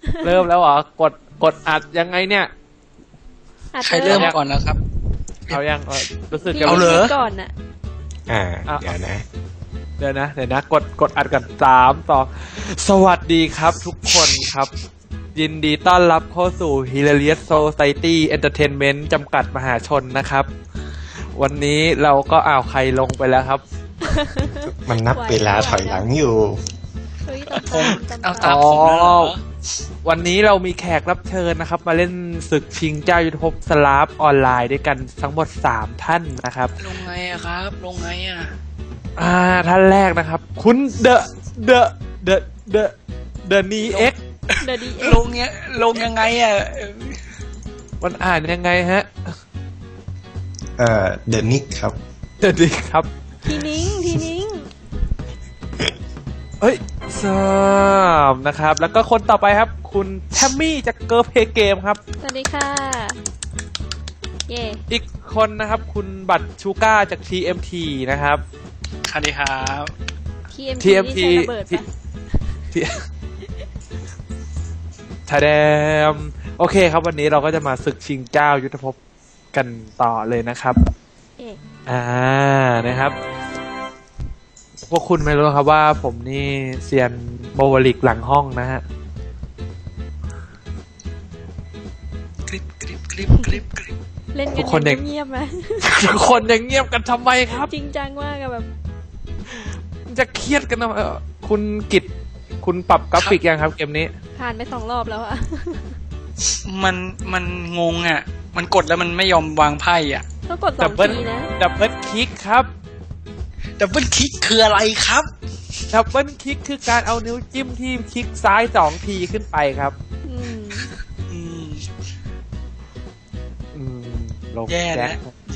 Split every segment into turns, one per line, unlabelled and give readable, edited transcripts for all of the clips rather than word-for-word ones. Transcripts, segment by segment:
เริ่มแล้วเหรอกดอัดยังไงเนี่ย
ใครเริ่มก่อนแล้วครับ
เอายังรู้สึก
เอาเลย
ก่อนน่ะ
เดี๋ยวนะกดอัดกัน3 2สวัสดีครับทุกคนครับยินดีต้อนรับเข้าสู่ Hilarious Society Entertainment จำกัดมหาชนนะครับวันนี้เราก็ใครลงไปแล้วครับ
มันนับเวลาถอยหลังอยู่
ผมเอาตามผมแล้ว
วันนี้เรามีแขกรับเชิญนะครับมาเล่นศึกชิงเจ้ายุทธภพสลาฟออนไลน์ด้วยกันทั้งหมด3ท่านนะครับ
ลงไงอะครับลงไงอะ
ท่านแรกนะครับคุณเดอะนีเอ็ก
ลงยังไงอะ
มันอ่านยังไงฮะ
เดอะนิกครับ
เดอะนิกครับ
ทีนิ้ง
เฮ้ย3นะครับแล้วก็คนต่อไปครับคุณแทมมี่จากเกิร์ลเพย์เกมครับ
สวัสดีค่ะเย่
อีกคนนะครับคุณบัตรชูก้าจาก TMT นะครับ
สวัสดีครับ
TMT
ทาแดมโอเคครับวันนี้เราก็จะมาศึกชิงเจ้ายุทธภพกันต่อเลยนะครับนะครับพวกคุณไม่รู้ครับว่าผมนี่เซียนโบว์ลิกหลังห้องนะฮะ
คลิป
เล่นกันเงียบไหม
ทุกคนยังเงียบกันทำไมครับ
จริงจังมากแบบ
จะเครียดกันนะคุณกิตคุณปรับกราฟิกยังครับเกมนี้
ผ่านไป2 รอบแล้วอะ
มันงงอะมันกดแล้วมันไม่ยอมวางไพ่อะ
ต้องกด2 ทีนะ
ดับเบิลคลิกครับ
ดับเบิลคลิกคืออะไรครับ
ดับเบิลคลิกคือการเอานิ้วจิ้มที่คลิกซ้าย2 ทีขึ้นไปครับ
แย่แล้ว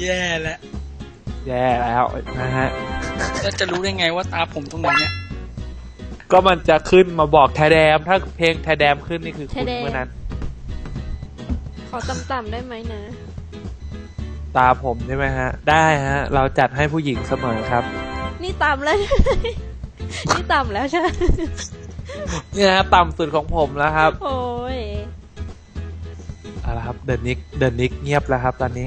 นะฮะ
แล้วจะรู้ได้ไงว่าตาผมตรงไหนเนี่ย
ก็มันจะขึ้นมาบอกแทแดมถ้าเพลงแทแดมขึ้นนี่คือคุณเมื่อนั้น
ขอต่ำๆได้ไหมนะ
ตาผมใช่ไหมฮะได้ฮะเราจัดให้ผู้หญิงเสมอครับ
นี่ต่ำแล้วนี่ต่ำแล้วใช่ไหม
นี่นะต่ำสุดของผมแล้วครับ
โอ้ย
เอาละครับเดอะนิกเงียบแล้วครับตอนนี้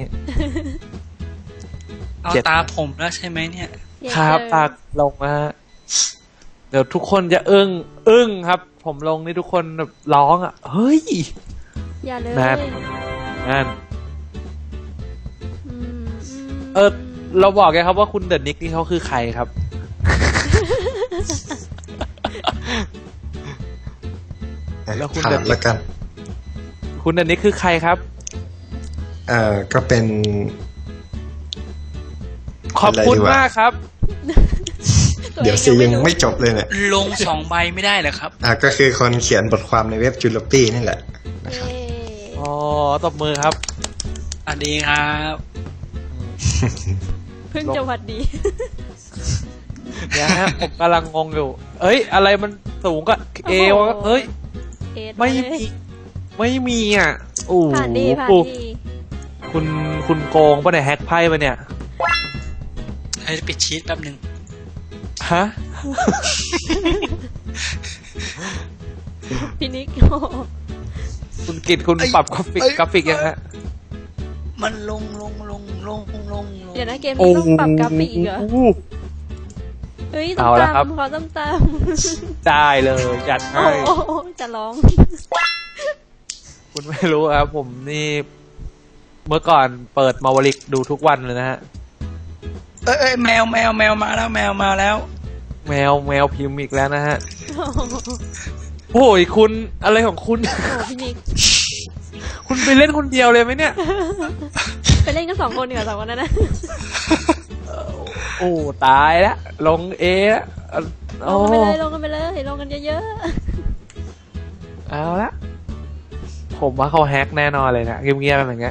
เอาตาผมแล้วใช่ไหมเนี่ย
ครับตาลงนะฮะเดี๋ยวทุกคนจะอึ้งครับผมลงนี่ทุกคนแบบร้องเฮ้ย
อย่าเลย
นั่นเราบอกแกครับว่าคุณเดอะนิกนี่เขาคือใครครับ
แล้วคุณเดอะนิก
คุณเดอะนิกคือใครครับ
ก็เป็น
ขอบคุณมากครับ
เดี๋ยวซียังไม่จบเลยเนี่ย
ลง2 ใบไม่ได้เหรอครับ
ก็คือคนเขียนบทความในเว็บจูลปี้นี่แหละนะครับ
ตบมือครับ
สวัสดีครับ
เพิ่งจะหวัดดี
เนี่ยฮะผมกำลังงงอยู่เอ้ยอะไรมันสูงก็เอวเอ้ยไม่มีโอ้
ผ่านดี
คุณโกงป่ะเนี่ยแฮกไพ่ป่ะเนี่ย
ให้ปิดชีทแป๊บนึง
ฮะ
พี่นิก
คุณกิตคุณปรับกราฟิกยังฮะ
มันลง
เดี๋ยวนะเกมนี้ต้องปรับกราฟิกเหรอเฮ้ยต้องตามขอตาม
ได้เลยจัดให้
จะร้อง
คุณไม่รู้ครับผมนี่เมื่อก่อนเปิดมาวลิกดูทุกวันเลยนะฮะ
แมวมาแล้วแมวมาแล้ว
แมวพิมพ์อีกแล้วนะฮะโอ้ยคุณอะไรของคุณ
พี่นิก
คุณไปเล่นคนเดียวเลยไหมเนี่ย
ไปเล่นกัน2 คนเหรอ2 คนนั้นนะ
โอ้ตายแล้วลงแล้ว
ลงกันไปเลยลงกันเยอะ
ๆเอาละผมว่าเขาแฮกแน่นอนเลยนะเงียบๆอย่างเงี้ย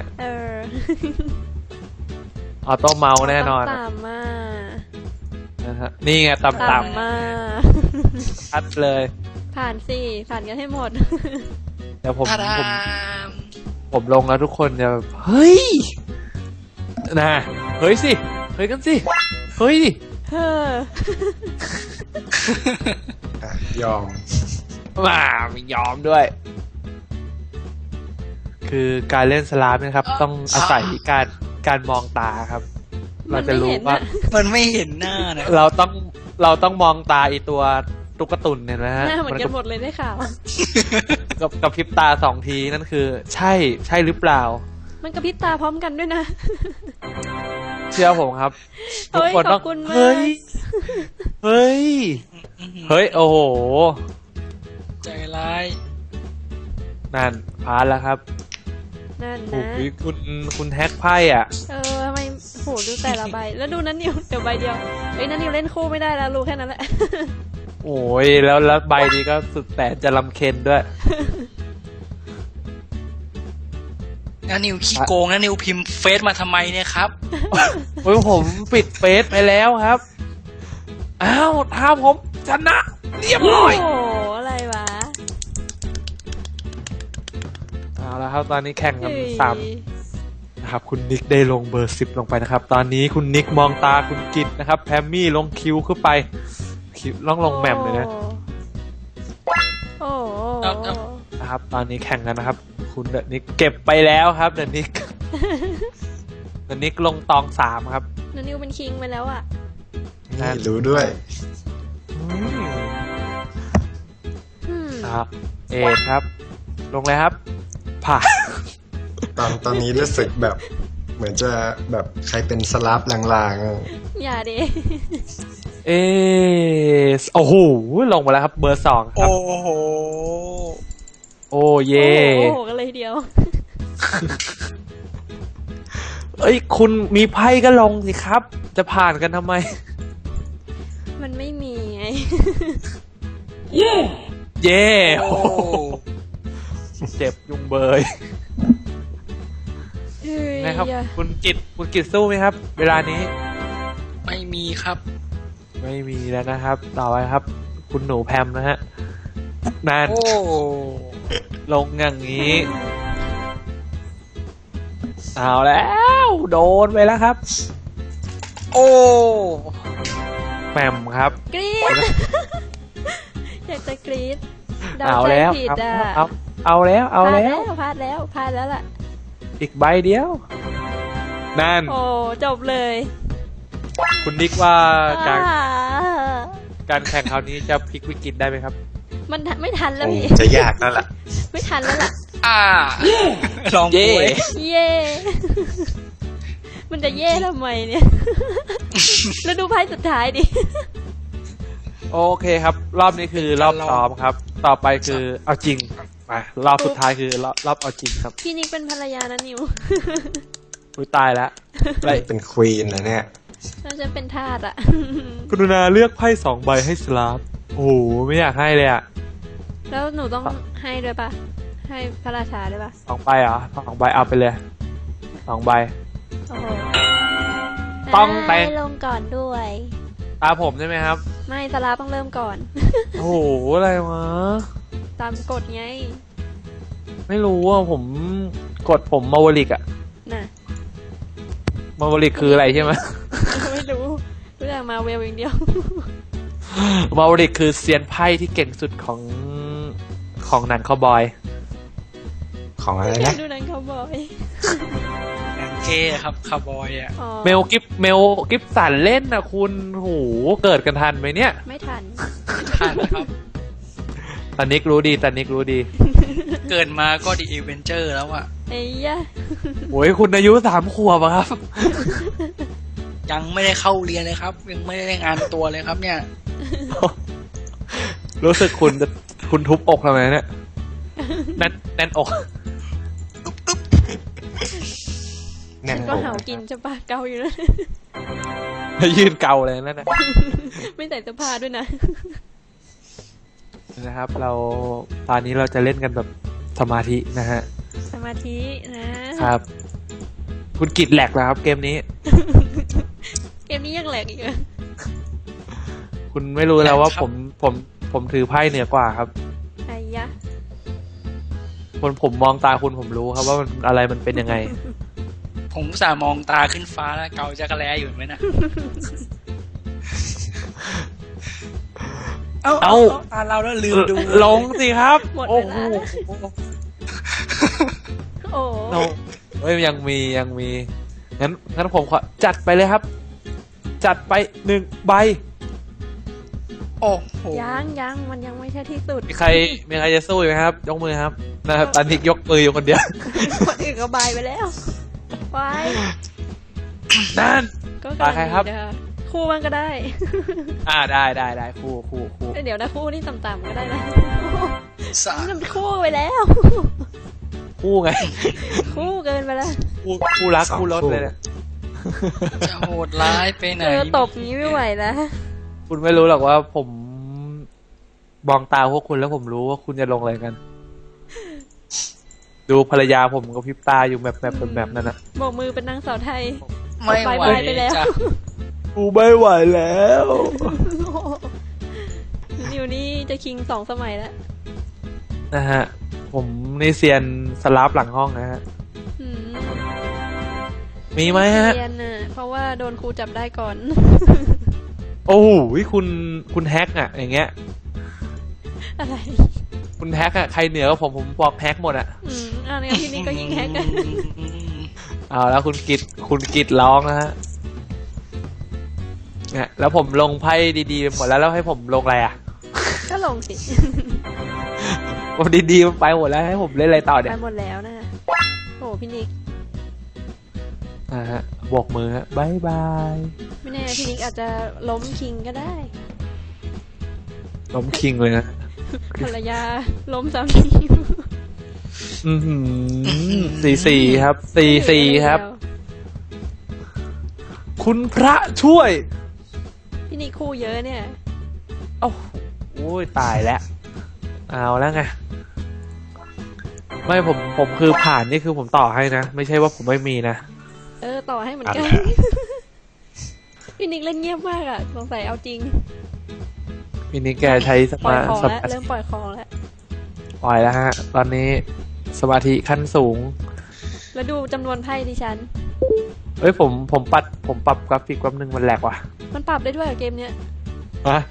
ออโต้เมาส์แน่นอน
ต่ำมา
นะฮะนี่ไงต่ำ
มา
ชัดเลย
ผ่านกันให้หมด
เดี๋ยวผมลงแล้วทุกคนจะเฮ้ยนะเฮ้ยสิเฮ้ยกันสิเฮ้ยดิ
ยอม
ไม่ยอมด้วยคือการเล่นสลามนะครับ ต้องอาศัยการมองตาครับ เราจะรู้ว่า
มันไม่เห็นหน้านะ
เราต้องมองตาอีตัวตุ๊กตุนเนี่ยนะฮะ
หน้าเหมือนกันหมดเลยได้ข่าว
กับพริบตา2 ทีนั่นคือ ใช่หรือเปล่า
มันกระพริบตาพร้อมกันด้วยนะ
เชื่อผมครับทุก
เฮ้ย
คน
ข
ต้
อ
อบ ง
คุณมาก
เฮ้ยโอ้โห
ใจร้าย
นั่นพลาดแล้วครับ
นั่น
โอ้
นะ
โหคุณแฮกไพ่อ่ะ
ทำไมโหดูแต่ละใบ แล้วดูนั้นนิวเดี๋ยวใบเดียวเอ้ยนั้นนิวเล่นคู่ไม่ได้แล้วรู้แค่นั้นแหละ
โอ้ยแล้วใบนี้ก็สุดแต่จะลำเค็ญด้วย
นะนิวขี้โกงนะนิวพิมพ์เฟซมาทำไมเนี่ยครับ
โอ้ยผมปิดเฟซไปแล้วครับ อ้าวถ้าผมชนะเรียบร้อย
โอ้โหอะไรวะ
เอาละครับตอนนี้แข่งกัน
เฮ้ย
3นะครับคุณนิกได้ลงเบอร์ 10ลงไปนะครับ ตอนนี้คุณนิกมองตาคุณกิตนะครับแพมมี่ลงคิวขึ้นไปคิวลงแหม่มเลยนะ
โอ้โห
เอา
นะครับ ตอนนี้แข่งกันนะครับ คุณเดอะนิกเก็บไปแล้วครับเดอะนิก เดอะนิกลงตอง3ครับ
นันนิวเป็นคิงไปแล้วอ่ะ
นี่รู้ด้วย
ครับ เอครับ ลงเลยครับ ผ่าน
ตอนนี้รู้สึกแบบ เหมือนจะแบบใครเป็นสลับลางๆอะ
อย่าดิ
เอโอ้โหลงมาแล้วครับ เบอร์ 2ครับ
โอ้โห
โอ้เย่
โอ้โหกันเลยทีเดียว
เอ้ยคุณมีไพ่ก็ลงสิครับ จะผ่านกันทำไม
มันไม่มีไง
เย่
โอ้
โอ้โหเจ็บยุงเบย
เฮ้ย
นะครับ คุณกิตสู้ไหมครับ เวลานี้
ไม่มีครับ
ไม่มีแล้วนะครับ ต่อไปครับ คุณหนูแพมนะฮะนั่น
โอ้
ลงอย่างนี้ เอาแล้ว โดนไปแล้วครับ
โอ้
แหม่มครับ
กรี๊ด อยากจะกรี๊ดเดา
เอา
ใจ
แล้ว
ผิด
ครับ
อ่ะ
เอาแล้ว
พลาดแล้วล่ะ
อีกใบเดียว นั่น
โอ้จบเลย
คุณนิกว่าการ
อ่า
การแข่งคราวนี้จะพลิกวิกฤตได้ไหมครับ
มันไม่ทันแล้ว
คง
พี่
จะยากนั่นแหละ
ไม่ทันแล้วล่ะ
ลอง
เย่
ป่วย
เย่ มันจะเย่ทำไมเนี่ย แล้วดูไพ่สุดท้ายดิ
โอเคครับ รอบนี้คือรอบซ้อมครับ ต่อไปคือเอาจริงมารอบสุดท้ายคือรอบเอาจริงครับ
พี่นิกเป็นภรรยานะนิว
อุ้ยตายแล้วอะไร
เป็นควีนนะเนี่ย
แล้วฉันเป็นทาสอ่ะ
กรุณาเลือกไพ่2 ใบให้สลาฟโอ้โหไม่อยากให้เลยอ่ะ
แล้วหนูต้องให้ด้วยปะให้พระราชาด้วยปะ
2 ใบเหรอ2 ใบเอาไปเลย2 ใบ
โอ้โห
ต้องแต่ง
ให้ลงก่อนด้วย
ตาผมใช่ไหมครับ
ไม่สลาต้องเริ่มก่อน
โอ้โหอะไรวะ
ตามกฎไง
ไม่รู้ว่าผมกดผมมาวลิกอะ
น่ะ
มาวลิกคืออะไรใช่ไหม
ไม่รู้รู้จักมาเวลอย่างเดียว
มาวลิกคือเซียนไพ่ที่เก่งสุดของหนังคาวบอย
ของอะไรนะ
ดูหนังเขาวบอย
หนังเก้ครับคาร์บอยอ่ะ
อ๋อ
เมลกิฟสันเล่นนะคุณโหเกิดกันทันไหมเนี่ย
ไม่ทัน
ทันครับ
ตอนนิกรู้ดี
เกิดมาก็ดีอีเวนเจอร์แล้วอ่ะ
ไอ้ยะ
โอ้ยคุณอายุ3 ขวบอะครับ
ยังไม่ได้เข้าเรียนเลยครับ ยังไม่ได้งานตัวเลยครับเนี่ย
รู้สึกคุณทุบอกทำไมเนี่ยแน่นอก
แน่น
ก็
อก
เห่ากินจะปะเกาอยู่นะ
แล้วยืนเกาเลยนั่นนะ
ไม่ใส่เสื้อผ้าด้วยนะ
นะครับเราตอนนี้เราจะเล่นกันแบบสมาธินะฮะ
สมาธินะ
ครับ คุณกิดแหลกแล้วครับเกมนี้
เกมนี้ยังแหลกอีกเหรอ
คุณไม่รู้แล้วว่า
แหลกครับ
ผมถือไพ่เหนือกว่าครับ
ไอ้ยะ
ผมมองตาคุณผมรู้ครับว่ามันอะไรมันเป็นยังไง
ผมอุตสาห์มองตาขึ้นฟ้าแล้วเกาจักรแลอยู่ไหมนะ เอาตาเราแล้วลืมดู
ลงสิครับ
หมด
โอ้
เว
โห
ลาโอ้
โนเฮ้ยยังมีงั้นผมขอจัดไปเลยครับ จัดไป1 ใบ
โอ้โห
ยังมันยังไม่ใช่ที่สุด
มีใครจะสู้อยู่ไหมครับ ยกมือครับนะครับตอนนี้ยกมืออยู่คนเดียว
คนอื่นก็บายไปแล้วไว้
นั่น
ก็
ตาใครครับ
ดีนะคะคู่มันก็ได้
ได้คู่
เดี๋ยวนะคู่นี่ต่ำๆก็ได้นะ
สา
นี่มันคู่ไปแล้ว
คู่ไง
คู่เกินไปแล้ว
คู่รักคู่รถเลยเนี่ย
จะโหดร้ายไปไหน
ตบนี้ไม่ไหวแล้ว
คุณไม่รู้หรอกว่าผมมองตาพวกคุณแล้วผมรู้ว่าคุณจะลงอะไรกัน ดูภรรยาผมกับพริบตาอยู่แบบนั่นนะ
โบกมือเป็นนางสาวไทย
ไม่ไหว
ไปไปแล้ว
จ้ะ
กูไม่ไหวแล้ว
นิวนี่จะคิง2 สมัยแล้ว
นะฮะ ผมนี่เซียนสลับหลังห้องนะฮะ
อืม
มีไหมฮะ
เรียนน่ะเพราะว่าโดนครูจับได้ก่อน
โอ้โหคุณแฮกอะอย่างเงี้ย
อะไร
คุณแฮกอะใครเหนือกว่าผมบอกแฮกหมดอะ
เนี่ยที่นี่ก็ยิงแฮกกัน
เอาแล้วคุณกิตร้องนะฮะเนี่ยแล้วผมลงไพ่ดีๆหมดแล้วให้ผมลงอะไรอะ
ก็ลงสิ
ผมดีๆมันไปหมดแล้วให้ผมเล่นอะไรต่อเนี่
ไป
ย
หมดแล้วนะโอ้พี่นิก
นะฮะโบกมือฮะบายบาย
ไม่แน่พี่นิกอาจจะล้มคิงก็ได้
ล้มคิงเลยนะ
ภรรยาล้มสามี
4-4ครับ4-4ครับ คุณพระช่วย
พี่นิกคู่เยอะเนี่ย
โอ้โหตายแล้วเอาแล้วไงไม่ผมคือผ่านนี่คือผมต่อให้นะไม่ใช่ว่าผมไม่มีนะ
ต่อให้เหมือนกัน พี่นิกเล่นเงียบมากอ่ะสงสัยเอาจริง
มินิแกใช้ส
ปล่อ
มาย
ของ
ส
แล้ว
มา
เริ่มปล่อยของแล้ว
ปล่อยแล้วฮะ ตอนนี้สมาธิขั้นสูง
แล้วดูจำนวนไพ่ดิฉัน
เอ้ยผมปรับกราฟิกแป๊บนึงมันแหลกว่ะ
มันปรับได้ด้วยเหรอเกมเนี้ย
ฮะ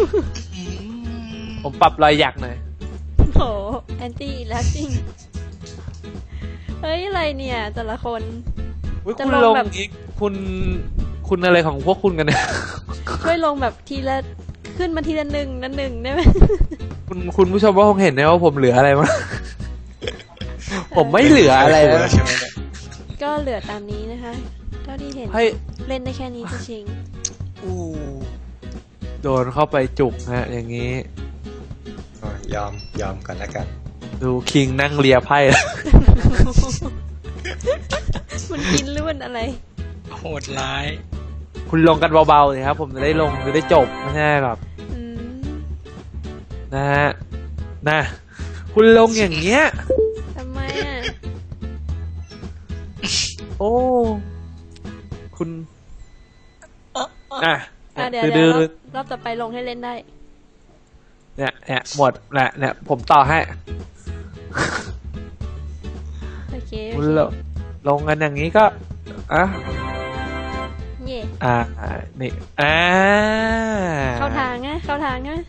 ผมปรับรอยหยักหน่อย
โหแอนตี้แลสติ้งเฮ้ยอะไรเนี่ย แต่ละคน
อุ๊ย
จะ
คุณ
ล
ล
ง
ง
แบบ
อีกคุณอะไรของพวกคุณกันเนี่ย
ช่วยลงแบบทีละขึ้นมาทีละหนึ่งได้ไหม
คุณผู้ชมว่าคงเห็นนะว่าผมเหลืออะไรมั้ง ผมไม่เหลืออะไรแล้ว
ใช่ไหมเนี่ย
ก็เหลือตามนี้นะคะ เท่าที่เห็น
ให้
เล่นได้แค่นี้จะชิง
อู้
โดนเข้าไปจุกฮะ อย่างนี้
อ๋อยอมก่อนแล้วกัน
ดูคิงนั่งเลียไพ่
มันกินหรือมันอะไร
โหดร้าย
คุณลงกันเบาๆเลยครับ ผมจะได้ลงจะได้จบไม่ใช่แบบ
อืม
นะฮะนะคุณลงอย่างเงี้ย
ทำไมอ่ะ
โอ้คุณอ่ะ
เดี๋ยว
คือ
เดี๋
ดื
ยว
อ
รอบต่อไปลงให้เล่นได้
เนี่ยหมดแหละเนี่ยผมต่อให้
โอเค
คุณลงกันอย่างนี้ก็อ่ะ
เย่
นี่
เข้าทางนะเข้าทางนะ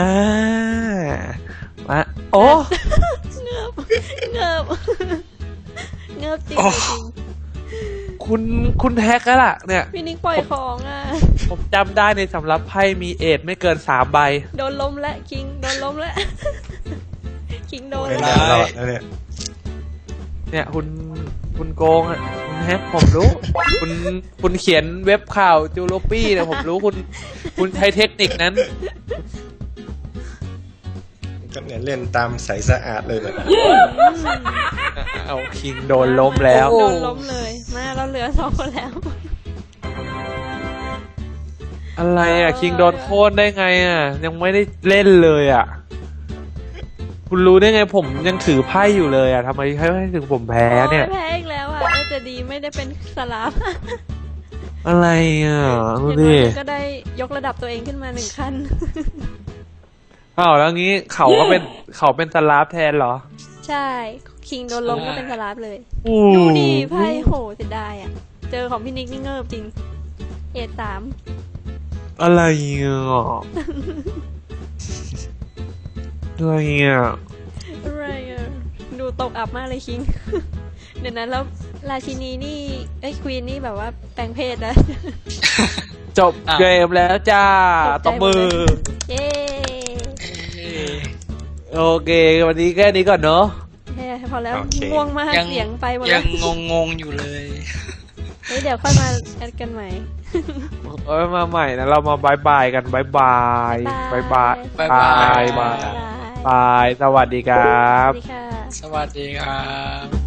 มาโอ้
เงือบเงือบเงือบจริงจริง
คุณแฮกแล้วล่ะ เนี่ย
พี่นิกปล่อยของอ่ะ
ผมจำได้ในสำรับไพ่มีเอทไม่เกิน3 ใบ
โดนล้มแล้วคิงโดนล้มแล้ว คิงโดน
ไม่
แล้ว
น่ารอดแล้วเนี่ย
เนี่ยคุณโกงอ่ะคุณแฮกผมรู้ คุณเขียนเว็บข่าวจูโรปี้เนี่ยผมรู้คุณใช้เทคนิคนั้น
ก็เนี่ยเล่นตามใสสะอาดเลยแบบ
เอาคิงโดนล้มแล้ว
โดนล้มเลยมาเราเหลือ2 คนแล้ว
อะไรอ่ะคิงโดนโค่นได้ไงอ่ะ ยังไม่ได้เล่นเลยอ่ะ คุณรู้ได้ไงผมยังถือไพ่อยู่เลยอ่ะทำไมให้ถึงผมแพ้เนี่ย
แพ้อีกแล้วอ่ะแต่ดีไม่ได้เป็นสลับ
อะไรอ่ะดู
อย่าง
ดิ
น้อยก็ได้ยกระดับตัวเองขึ้นมา1 ขั้น
อ้าวแล้วงี้เขาเป็นสลาฟแทนเหรอ
ใช่คิงโดนล้มก็เป็นสลับเลย
อู้
ดูดิไพ่โหเสียดายอ่ะ เจอของพี่นิกนี่เงิบจริง เอ3
อะไรอ่ะอะไรอ่ะ
อะไรอ่ะ ดูตกอับมากเลยคิง เดี๋ยวนั้นแล้วราชินีนี่ควีนนี่แบบว่าแปลงเพศนะ
จบเกมแล้วจ้าตบมือ
เย้
โอเค วันนี้แค่นี้ก่อนเนาะ
พอแล้ว
โอเค
ง่วงมาก
ยัง
เสียงไปหมด
ยั
แล้ว
งงงอยู่เลย
เดี๋ยวค่อยมาแอดกันใหม่
เอามาใหม่นะ เรามาบายกันบายบายบายบาย
บ๊าย
บา
บาย
ยบายบาย สวัสดีครับ
สวัสดีค่ะ
สวัสดีครับ